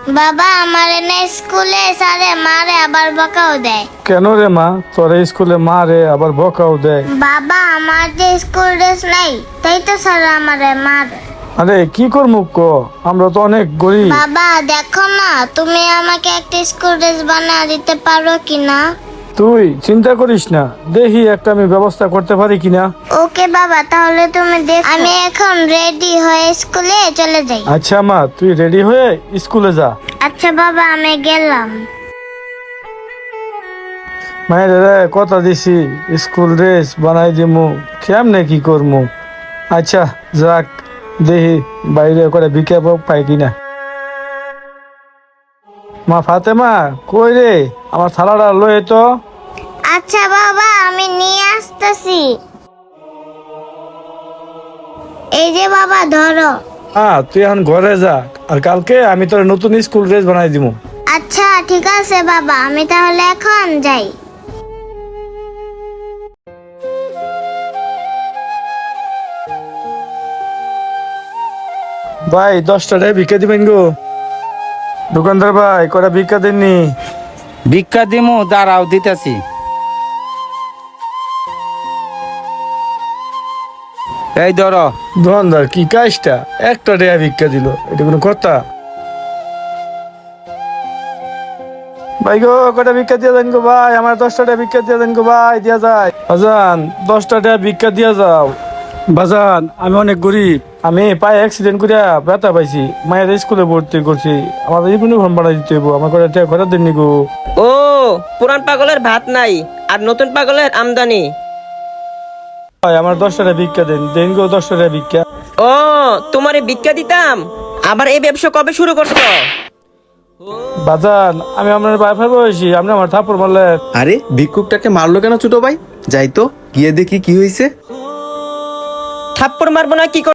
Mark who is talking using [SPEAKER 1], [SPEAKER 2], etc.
[SPEAKER 1] বাবা আমার এনে স্কুলে স্যারে মারে আবার বকাও দেয়।
[SPEAKER 2] কেন রে মা, তোরে স্কুলে মারে আবার বকাও দেয়?
[SPEAKER 1] বাবা আমার যে স্কুল ড্রেস নাই তাই তো স্যার আমারে মারে।
[SPEAKER 2] আরে কি করবো ক, আমরা তো অনেক গরিব।
[SPEAKER 1] বাবা দেখো না তুমি আমাকে একটা স্কুল ড্রেস বানিয়ে দিতে পারো কিনা।
[SPEAKER 2] তুই চিন্তা করিস না, দেখি একটা আমি ব্যবস্থা করতে পারি কিনা।
[SPEAKER 1] ওকে বাবা তাহলে তুমি দেখো, আমি এখন রেডি হয়ে স্কুলে চলে যাই।
[SPEAKER 2] আচ্ছা মা, তুই রেডি হয়ে স্কুলে যা।
[SPEAKER 1] আচ্ছা বাবা আমি গেলাম।
[SPEAKER 2] মায়ের রে কথা দিছি স্কুল ড্রেস বানাই দিমু, কেমনে কি করমু। আচ্ছা যাক, দেখি বাইরে করে বিজ্ঞাপন পাই কিনা। মা ফাতেমা কই রে, আমার থালাটা লয়ে তো।
[SPEAKER 1] আচ্ছা বাবা আমি নিয়ে আসতেছি। এই যে বাবা ধরো।
[SPEAKER 2] হ্যাঁ তুই এখন ঘরে যা, আর কালকে আমি তোর নতুন স্কুল ড্রেস বানাই দিমু।
[SPEAKER 1] আচ্ছা ঠিক আছে বাবা, আমি তাহলে এখন যাই।
[SPEAKER 2] ভাই 10টা টাকা ভিক্ষা দিবেন গো। দোকানদার ভাই কটা ভিক্ষা দেননি?
[SPEAKER 3] ভিক্ষা দিমু, দাঁড়াও দিতেছি। এই ধরো।
[SPEAKER 2] দোকানদার কি কাজটা, একটা টাকা ভিক্ষা দিল, এটা কোনো কথা? ভাই গো কটা ভিক্ষা দিয়ে দেন গো ভাই, আমার 10টা টাকা ভিক্ষা দিয়ে দেন গো ভাই, দিয়া যায়। বাজান 10টা টাকা ভিক্ষা দিয়া যাও। বাজান আমি অনেক গরিব, আমি পায়ে অ্যাক্সিডেন্ট করে ব্যথা পাইছি, মায়ের স্কুলে ভর্তি করছি, আমার ইউনিফর্ম বানাই দিতে হইব, আমার কটা টাকা ঘরে দেননি গো।
[SPEAKER 4] ও পুরান পাগলের ভাত নাই আর নতুন পাগলের আমদানি।
[SPEAKER 2] ভাই আমার 10টা টাকা ভিক্ষা দেন, দেন গো 10টা টাকা ভিক্ষা।
[SPEAKER 4] ও তোমারে ভিক্ষা দিতাম, আবার এই ব্যবসা কবে শুরু করছো?
[SPEAKER 2] বাজান আমি আপনার বাইফার বয়সী, আপনি আমার থাপ্পড় মারলেন।
[SPEAKER 5] আরে ভিক্ষুকটাকে মারলো কেন ছোট ভাই? যাই তো গিয়ে দেখি কি হয়েছে।
[SPEAKER 4] থাপ্পড় মারবো না কি